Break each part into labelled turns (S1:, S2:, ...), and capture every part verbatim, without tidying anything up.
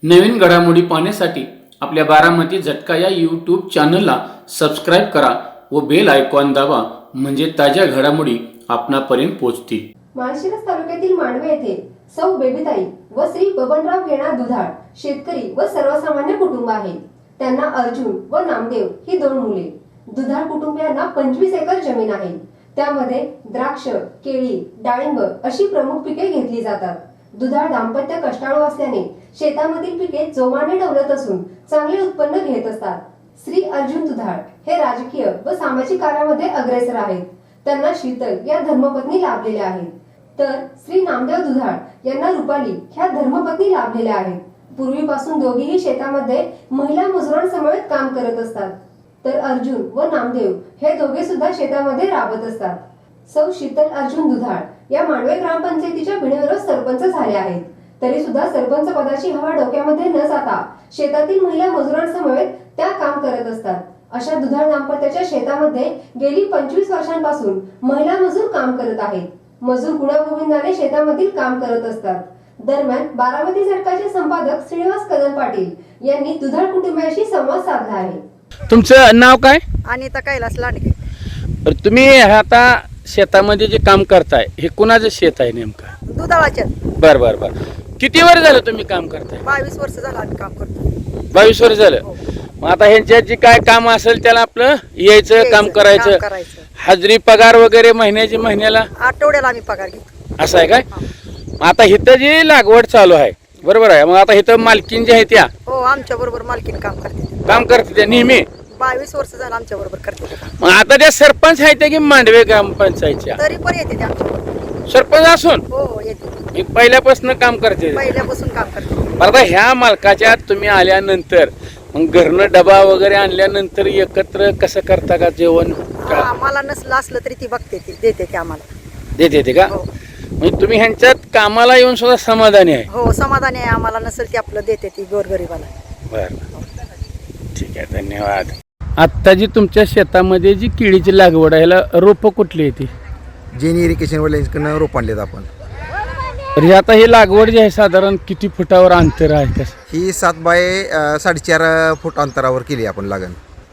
S1: नवीन घडामोडी पाहण्यासाठी आपल्या बारामती झटका या यूट्यूब चॅनलला सबस्क्राईब करा व बेल आयकॉन दाबा, म्हणजे ताज्या घडामोडी आपणापर्यंत पोहोचतील.
S2: माळशिरस तालुक्यातील मांडवे येथे सौ बेबीताई व श्री बबनराव गेणा दुधाळ शेतकरी व सर्वसामान्य कुटुंब आहे. त्यांना अर्जुन व नामदेव ही दोन मुले. दुधाळ कुटुंबियांना पंचवीस एकर जमीन आहे. त्यामध्ये द्राक्ष, केळी, डाळिंब अशी प्रमुख पिके घेतली जातात. दुधाळ दाम्पत्य कष्टाळू असल्याने शेतामधील पिके जोमाने डवलत असून चांगले उत्पन्न घेत असतात. श्री अर्जुन दुधाळ हे राजकीय व सामाजिक कार्यामध्ये अग्रेसर आहेत. त्यांना शीतल या धर्मपत्नी लाभलेल्या आहेत. तर श्री नामदेव दुधाळ यांना रुपाली ह्या धर्मपत्नी लाभलेल्या आहेत. पूर्वीपासून दोघेही शेतामध्ये महिला मजुरांसमवेत काम करत असतात. तर अर्जुन व नामदेव हे दोघे सुद्धा शेतामध्ये राबत असतात. सौ शीतल अर्जुन दुधाळ या मांडवे ग्रामपंचायतीच्या बिनविरोध सरपंच झाल्या आहेत. तरी सुद्धा सरपंच पदाची हवा डोक्यामध्ये न जाता शेतातील महिला मजुरांसमवेत त्या काम करत असतात. अशा दुधाळ दाम्पत्याच्या शेतामध्ये गेली पंचवीस वर्षांपासून महिला मजूर काम करत आहेत. मजूर गुण्यागोविंदाने शेतामधील काम करत असतात. दरम्यान बारामती झटकाचे संपादक श्रीनिवास कदम पाटील यांनी दुधाळ कुटुंबियांशी संवाद साधला आहे.
S3: तुमचं नाव काय?
S4: अनिता कैलास लांडगे.
S3: बरं, तुम्ही आता शेतामध्ये जे काम करताय हे कुणाचं शेत आहे नेमकं?
S4: दुधाळाच्या.
S3: बर बर बर किती वर्ष झालं तुम्ही काम करताय?
S4: बावीस वर्ष झालं आम्ही काम करतो.
S3: बावीस वर्ष झालं. मग आता ह्यांच्यात जे काय काम असेल त्याला आपलं यायचं, काम करायचं. हाजरी पगार वगैरे महिन्याची महिन्याला
S4: आठवड्याला आम्ही पगार घेतो.
S3: असं आहे काय? आता इथं जी लागवड चालू आहे बरोबर आहे, मग आता इथं मालकीन जे आहे त्या
S4: हो आमच्या बरोबर मालकीने काम करते.
S3: काम करते त्या नेहमी
S4: बावीस वर्ष झालं आमच्या बरोबर करते.
S3: मग आता त्या सरपंच आहेत की मांडवे ग्रामपंचायतच्या?
S4: तरी पण येते ते आमच्या बरोबर.
S3: सरपंच असून
S4: हो हो येते.
S3: पहिल्यापासून काम करते.
S4: पहिल्यापासून काम करते.
S3: आता ह्या मालकाच्या तुम्ही आल्यानंतर मग घरनं डबा वगैरे आणल्यानंतर एकत्र कसं करता का जेवण?
S4: आम्हाला नसलं असलं तरी ती बघते, ती देते ते आम्हाला.
S3: देते ते का? म्हणजे तुम्ही ह्यांच्यात कामाला येऊन सुद्धा समाधानी आहे?
S4: हो समाधानी आहे. आम्हाला नसेल ती आपलं देते ती गोरगरीबाला.
S3: बरं ठीक आहे, धन्यवाद. आत्ता जी तुमच्या शेतामध्ये जी केळीची लागवड आहे ह्याला रोपं कुठली आहे ती?
S5: जेनी इरिगेशन वाल्यांकडनं रोप आणलेत आपण.
S3: तर ही आता ही लागवड जी आहे साधारण किती फुटावर अंतर आहे कसं?
S5: ही सात बाय अ, साडेचार फूट अंतरावर केली आपण लागण.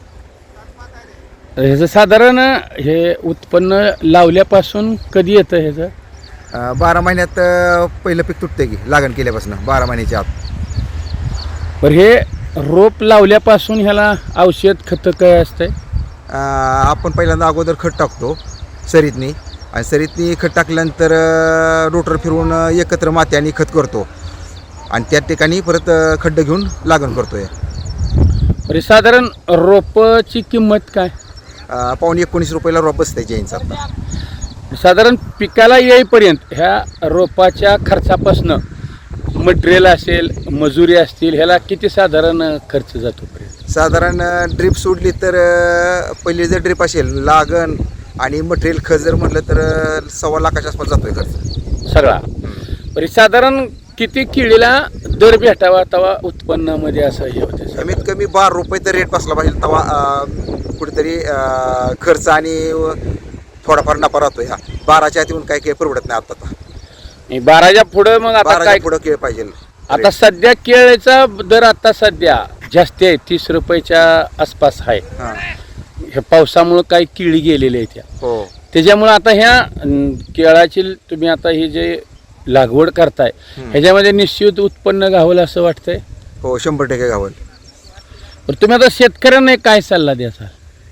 S3: ह्याचं साधारण हे उत्पन्न लावल्यापासून कधी येतं ह्याचं?
S5: अ, बारा महिन्यात अ, पहिलं पीक तुटते की लागण केल्यापासून बारा महिन्याच्या आत.
S3: बरं, हे रोप लावल्यापासून ह्याला औषध खतं काय असतंय?
S5: अ, आपण पहिल्यांदा अगोदर खत टाकतो सरीतनी, आणि सरीतनी खत टाकल्यानंतर अ, रोटर फिरवून अ, एकत्र माती आणि खत करतो, आणि त्या ठिकाणी परत अ, खड्डे घेऊन लागण करतोय.
S3: बरं, साधारण रोपाची किंमत काय?
S5: अ, पावणे एकोणीस रुपयाला रोप बसते जैनचं आता.
S3: साधारण पिकाला येईपर्यंत ह्या रोपाच्या खर्चापासनं मटेरियल असेल, मजुरी असतील, ह्याला किती साधारण खर्च जातो?
S5: साधारण ड्रीप सोडली तर अ, पहिली जर ड्रीप असेल लागण आणि मटेरियल खत जर म्हटलं तर अ, सव्वा लाखाच्या आसपास जातोय खर्च
S3: सगळा. बरी साधारण किती केळीला दर भेटावा तेव्हा उत्पन्नामध्ये असं हे होते?
S5: कमीत कमी बारा रुपये तर रेट बसला पाहिजे तेव्हा अ, कुठेतरी अ, खर्च आणि थोडाफार नफा राहतो. ह्या बाराच्या आत येऊन काय काही परवडत नाही आता.
S3: बाराच्या पुढं मग आता काय
S5: पुढं केळ पाहिजे.
S3: आता सध्या केळीचा दर आता सध्या जास्त आहे, तीस रुपयाच्या आसपास आहे. ह्या पावसामुळं काही केळी गेलेली आहे त्या,
S5: हो
S3: त्याच्यामुळं आता ह्या केळाची तुम्ही आता ही जे लागवड करताय ह्याच्यामध्ये निश्चित उत्पन्न घावलं असं वाटतंय?
S5: हो शंभर टक्के घावल.
S3: पण तुम्ही आता शेतकऱ्यांना काय सल्ला द्याचा?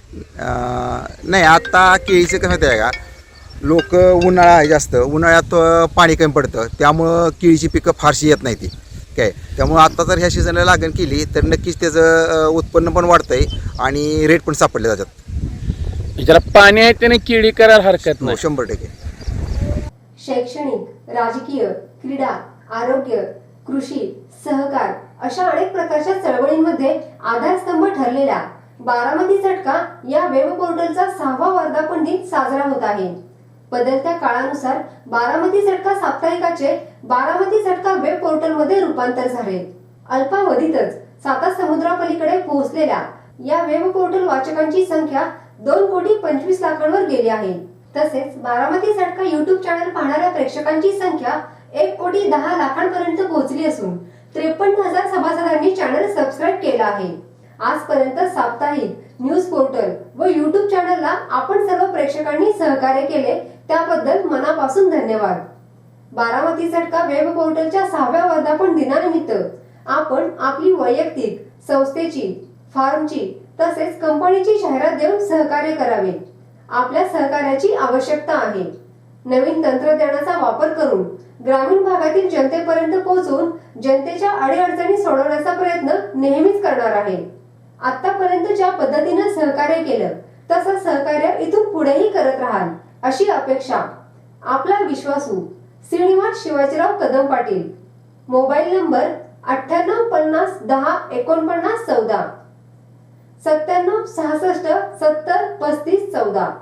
S5: नाही, आता केळीचं कसं माहिती आहे का, लोक उन्हाळा आहे जास्त, उन्हाळ्यात अ, पाणी कमी पडतं, त्यामुळं केळीची पिकं फारशी येत नाही ती काय. त्यामुळं आता जर ह्या सीझनला लागण केली तर नक्कीच त्याचं अ, उत्पन्न पण वाढतंय आणि रेट पण सापडले जातात.
S3: ज्याला पाणी आहे त्याने केळी करायला हरकत
S5: हो
S3: नाही.
S5: शंभर टक्के.
S2: शैक्षणिक, राजकीय, क्रीडा, आरोग्य, कृषी, सहकार अशा अनेक प्रकारच्या चळवळींमध्ये आधारस्तंभ ठरलेला बारामती झटका या वेब पोर्टलचा सहावा वर्धापन दिन साजरा होत आहे. बदलत्या काळानुसार बारामती झटका साप्ताहिकाचे बारामती झटका वेब पोर्टलमध्ये रूपांतर झाले. अल्पावधीतच साता समुद्रापलीकडे पोहोचलेल्या या वेब पोर्टल वाचकांची संख्या दोन कोटी पंचवीस लाखांवर गेली आहे. तसेच बारामती झटका युट्यूब चॅनल पाहणाऱ्या प्रेक्षकांची संख्या एक कोटी दहा लाखांपर्यंत पोहोचली असून त्रेपन्न हजार सभासदांनी चॅनल सबस्क्राईब केला आहे. आजपर्यंत साप्ताहिक न्यूज पोर्टल व यूट्यूब चॅनलला आपण सर्व प्रेक्षकांनी सहकार्य केले त्याबद्दल मनापासून धन्यवाद. बारामती झटका वेब पोर्टलच्या सहाव्या वर्धापन दिनानिमित्त आपण आपली वैयक्तिक, संस्थेची, फार्मची तसेच कंपनीची जाहिरात देऊन सहकार्य करावे. आपल्या सहकार्याची आवश्यकता आहे. नवीन तंत्रज्ञानाचा वापर करून ग्रामीण भागातील जनतेपर्यंत पोहोचून जनतेच्या अडीअडचणी सोडवण्याचा प्रयत्न नेहमीच करणार आहे. आतापर्यंत ज्या पद्धतीने सहकार्य केलं तसं सहकार्य इथून पुढेही करत राहाल अशी अपेक्षा. आपला विश्वासू श्रीनिवास शिवाजीराव कदम पाटील. मोबाईल नंबर अठ्ठ्याण्णव पन्नास दहा एकोणपन्नास चौदा, सत्त्याण्णव सहासष्ट सत्तर पस्तीस चौदा.